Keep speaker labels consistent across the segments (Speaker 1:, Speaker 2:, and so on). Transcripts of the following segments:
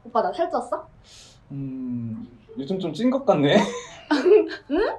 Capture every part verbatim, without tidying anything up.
Speaker 1: 오빠 나 살쪘어?
Speaker 2: 음, 요즘 좀 찐 것 같네.
Speaker 1: 응?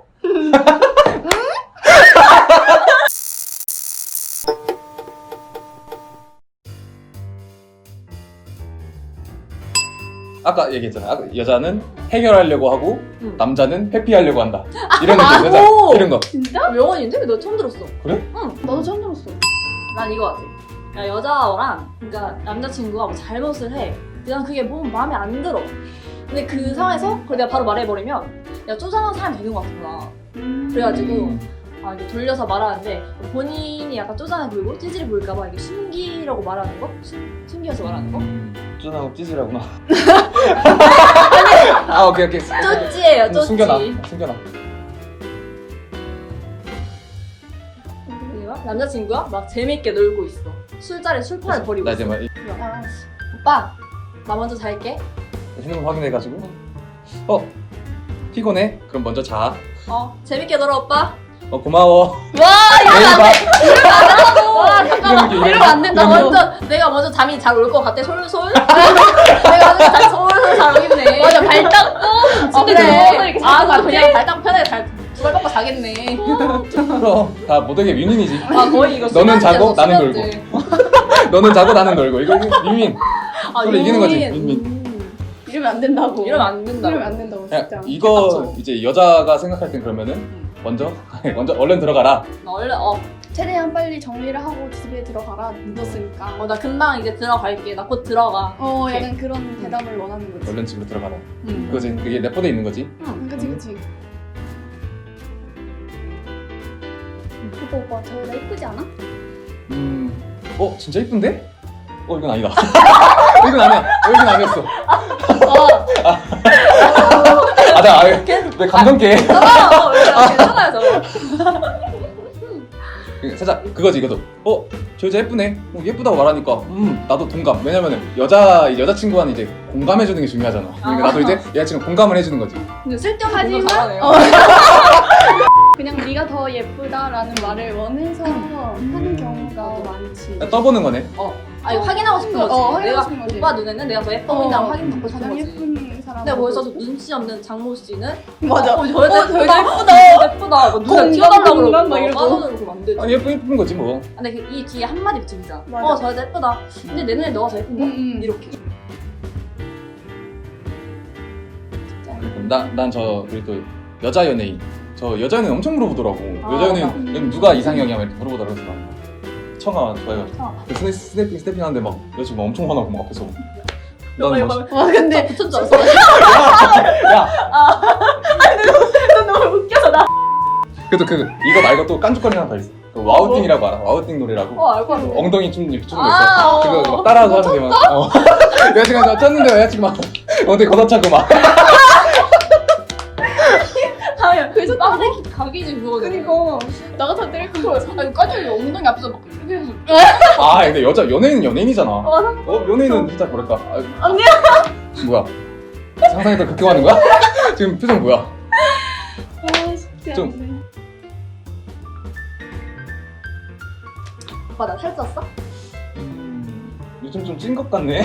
Speaker 2: 아까 얘기했잖아. 아까 여자는 해결하려고 하고
Speaker 1: 응.
Speaker 2: 남자는 회피하려고 한다. 이런
Speaker 1: 아,
Speaker 2: 느낌 여자
Speaker 1: 오!
Speaker 2: 이런 거.
Speaker 1: 진짜? 명언인데? 너 처음 들었어.
Speaker 2: 그래?
Speaker 1: 응.
Speaker 3: 나도 처음 들었어.
Speaker 1: 난 이거 같아. 야, 여자랑 그러니까 남자친구가 뭐 잘못을 해. 그냥 그게 뭐 마음에 안 들어. 근데 그 상황에서 그걸 내가 바로 말해버리면 내가 쪼잔한 사람이 되는 것 같구나.
Speaker 3: 음.
Speaker 1: 그래가지고
Speaker 2: 음.
Speaker 1: 아, 이게 돌려서 말하는데 본인이 약간 쪼잔해 보이고 찌질해 보일까봐 이게 숨기라고 말하는 거? 숨, 숨겨서 말하는 거?
Speaker 2: 음, 쫀하고 찌질하구나. 아 오케이 오케이.
Speaker 1: 쪼찌예요,
Speaker 2: 음,
Speaker 1: 쪼찌.
Speaker 2: 숨겨놔. 숨겨놔.
Speaker 1: 그리고 남자친구가 막 재밌게 놀고 있어. 술자리 술판을 벌이고
Speaker 2: 나
Speaker 1: 있어.
Speaker 2: 이제 막 이-
Speaker 3: 아,
Speaker 1: 오빠, 나 먼저 잘게.
Speaker 2: 핸드폰 확인해가지고 어 피곤해? 그럼 먼저 자.
Speaker 1: 어, 재밌게 놀아, 오빠.
Speaker 2: 어 고마워.
Speaker 1: 와,
Speaker 2: 내일 봐.
Speaker 1: 와, 잠깐만.
Speaker 2: 이러면
Speaker 1: 이러면 안 된다.
Speaker 2: 이러면-
Speaker 1: 완전 내가 먼저 잠이 잘 올 것 같아. 솔솔. 내가 먼저 잘 솔솔 잘 오겠네.
Speaker 3: 맞아, 발 닦고
Speaker 1: 어,
Speaker 3: 침대
Speaker 1: 그래.
Speaker 3: 누워서 이렇게
Speaker 1: 아,
Speaker 3: 자는 것
Speaker 1: 나
Speaker 3: 같아.
Speaker 1: 그냥 발딱 편하게 잘 두발 뻗고 자겠네.
Speaker 2: 그럼 다 모두에게 윈윈이지.
Speaker 1: 아, 거의 이거
Speaker 2: 너는 자고,
Speaker 1: 수면제였어,
Speaker 2: 나는
Speaker 1: 수면제.
Speaker 2: 너는 자고 나는 놀고 이거 윈윈.
Speaker 1: 아,
Speaker 2: 서로 이기는 거지,
Speaker 1: 윈윈.
Speaker 2: 윈윈.
Speaker 1: 음.
Speaker 3: 이러면 안 된다고.
Speaker 1: 이러면 안 된다.
Speaker 3: 이러면 안 된다고
Speaker 2: 야,
Speaker 3: 진짜.
Speaker 2: 이거
Speaker 1: 맞죠?
Speaker 2: 이제 여자가 생각할 땐 그러면은 먼저 먼저 얼른 들어가라.
Speaker 1: 나 원래 어,
Speaker 3: 최대한 빨리 정리를 하고 집에 들어가라. 늦었으니까.
Speaker 1: 어, 나 금방 이제 들어갈게. 나 곧 들어가.
Speaker 3: 어, 약간 그런 대답을 원하는 거지.
Speaker 2: 얼른 집으로 들어가라.
Speaker 1: 응.
Speaker 2: 그거지. 그게 내포돼 있는 거지.
Speaker 1: 응.
Speaker 3: 그치 그치. 오빠 오빠 저 여자 예쁘지 않아?
Speaker 2: 음. 어 진짜 이쁜데? 어 이건 아니다. 이건 아니야. 어, 이건 아니었어. 아, 나 아예 내 감동게.
Speaker 1: 괜찮아. 어, 괜찮아요, 저거.
Speaker 2: 살짝 그거지 이거도. 어, 저 여자 예쁘네. 어, 예쁘다고 말하니까 음 나도 동감. 왜냐면은 여자 여자친구와는 이제 공감해주는 게 중요하잖아. 그러니까 나도 이제 여자친구 공감을 해주는 거지.
Speaker 1: 근데 쓸데없는
Speaker 3: 하지만-
Speaker 1: 공부 잘하네요.
Speaker 3: 어. 그냥 네가 더 예쁘다라는 말을 원해서 하는 경우가 많지.
Speaker 2: 떠보는 거네.
Speaker 1: 어. 아, 이거 확인하고 싶은 거지.
Speaker 3: 어, 확인하고
Speaker 1: 내가
Speaker 3: 싶은 거지.
Speaker 1: 오빠 눈에는 내가 더 예뻐 보인다고 확인 받고 싶은
Speaker 3: 가장
Speaker 1: 거지.
Speaker 3: 예쁜 사람.
Speaker 1: 근데 거기서 눈치 없는 장모 씨는
Speaker 3: 맞아.
Speaker 1: 어, 저 여자
Speaker 3: 어, 저
Speaker 1: 예쁘다.
Speaker 3: 여자
Speaker 1: 예쁘다. 예쁘다. 뭐 눈에
Speaker 3: 공감,
Speaker 1: 튀어달라고
Speaker 3: 공감
Speaker 1: 그러고
Speaker 3: 막 이러고.
Speaker 1: 빠져들고 그러면 안 되지.
Speaker 2: 아 예쁜 예쁜 거지 뭐.
Speaker 1: 근데 그 이 뒤에 한마디 붙입니다.
Speaker 3: 맞아.
Speaker 1: 어, 저 여자 예쁘다. 근데 내 눈에 너가 더 예쁜데?
Speaker 3: 음, 음.
Speaker 1: 이렇게.
Speaker 2: 나난 저 그리고 또 여자 연예인. 저 여자 연예인 엄청 물어보더라고.
Speaker 1: 아,
Speaker 2: 여자 연예인
Speaker 3: 맞아.
Speaker 2: 그럼 누가 이상형이야 막 이렇게 물어보더라고. 그래서 나 청아 좋아해가지고.
Speaker 1: 청아.
Speaker 2: 그 스냅 스냅핑 스냅핑 하는데 막 여자친구 엄청 화나고 막 앞에서. 나는 막
Speaker 3: 와 근데
Speaker 1: 붙은 줄 알았어.
Speaker 2: 야
Speaker 1: 너무 웃겨서 나.
Speaker 2: 그래도 그 이거 말고 또 깐죽거리는 하나 더 있어. 그 와우띵이라고 알아? 와우띵 노래라고.
Speaker 1: 어, 알고 알고.
Speaker 2: 엉덩이 춤 이렇게 추는 거
Speaker 1: 아,
Speaker 2: 있어.
Speaker 1: 어.
Speaker 2: 그거 막 따라서 하는 게 막. 어. 여자친구가 나 쪘는데 여자친구 막 엉덩이 걷어차고 막.
Speaker 1: 아니, 그래서 따로 각이지 그거는.
Speaker 3: 그니까 나 같아 때릴 거.
Speaker 1: 아니, 까지 엉덩이 앞에서 막 이렇게 해서.
Speaker 2: 아 근데 여자 연예인은 연예인이잖아.
Speaker 1: 맞아.
Speaker 2: 어 연예인은 진짜 뭐랄까. 아,
Speaker 3: 언니야.
Speaker 2: 뭐야? 상상했던 그렇게 하는 거야? 지금 표정 뭐야?
Speaker 3: 아 진짜.
Speaker 2: 좀-
Speaker 1: 오빠 나 살쪘어?
Speaker 2: 음, 요즘 좀 찐 것 같네.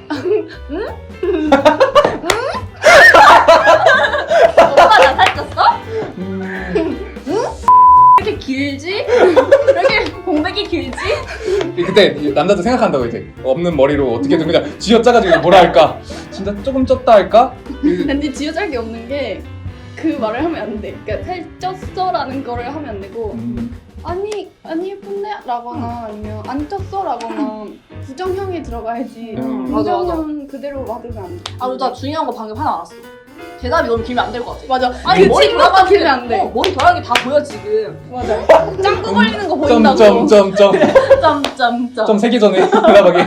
Speaker 1: 오빠 나 살쪘어?
Speaker 2: 음,
Speaker 1: 이렇게 길지? 이렇게 공백이 길지?
Speaker 2: 그때 남자도 생각한다고 이제 없는 머리로 어떻게든 그냥 쥐어짜가지고 뭐라 할까? 진짜 조금 쪘다 할까? 그-
Speaker 3: 근데 지어짤 게 없는 게 그 말을 하면 안 돼. 그러니까 살쪘어라는 거를 하면 안 되고
Speaker 2: 음,
Speaker 3: 아니 아니 예쁜데? 라거나 아니면 안 쪘어? 라거나 부정형이 들어가야지.
Speaker 2: 음.
Speaker 1: 맞아, 맞아.
Speaker 3: 긍정형 그대로 받으면 안 돼.
Speaker 1: 아, 그리고 나 중요한 거 방금 하나 알았어. 대답이 너무 길면 안 될 것 같아.
Speaker 3: 맞아.
Speaker 1: 아니,
Speaker 3: 그
Speaker 1: 머리
Speaker 3: 친구가
Speaker 1: 돌아가는
Speaker 3: 길면 안 돼.
Speaker 1: 어, 머리 돌아가는 게 다 보여, 지금.
Speaker 3: 맞아. 짱구 걸리는 거 보인다고.
Speaker 2: 점점점점
Speaker 1: 점점점.
Speaker 2: 좀 세기 전에 대답하기.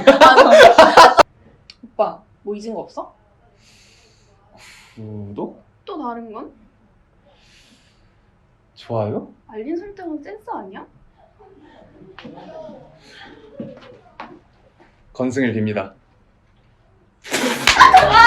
Speaker 1: 오빠, 뭐 잊은 거 없어?
Speaker 2: 구독?
Speaker 3: 또 다른 건?
Speaker 2: 좋아요?
Speaker 3: 알림 설정은 센스 아니야?
Speaker 2: 건승을 빕니다.
Speaker 1: 아,